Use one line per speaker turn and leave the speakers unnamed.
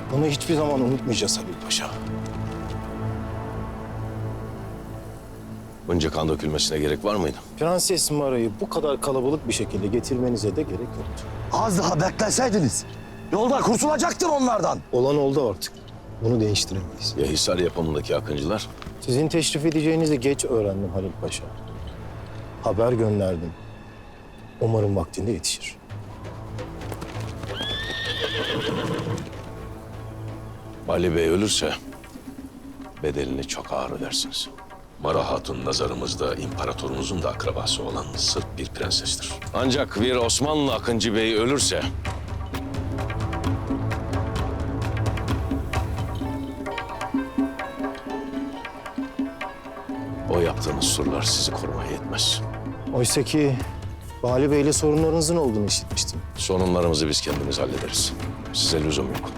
Bunu hiçbir zaman unutmayacağız Halil Paşa.
Bunca kan dökülmesine gerek var mıydı?
Prenses Mara'yı bu kadar kalabalık bir şekilde getirmenize de gerek yoktu.
Az daha bekleseydiniz. Yolda kurtulacaktım onlardan.
Olan oldu artık. Bunu değiştiremeyiz.
Ya Hisar yapımındaki Akıncılar?
Sizin teşrif edeceğinizi geç öğrendim Halil Paşa. Haber gönderdim. Umarım vaktinde yetişir.
Bali Bey ölürse bedelini çok ağır ödersiniz.
Mara Hatun nazarımızda imparatorumuzun da akrabası olan sırf bir prensestir.
Ancak bir Osmanlı Akıncı Bey ölürse... o yaptığınız surlar sizi korumaya yetmez.
Oysa ki Bali Bey'le sorunlarınızın olduğunu işitmiştim.
Sorunlarımızı biz kendimiz hallederiz. Size lüzum yok.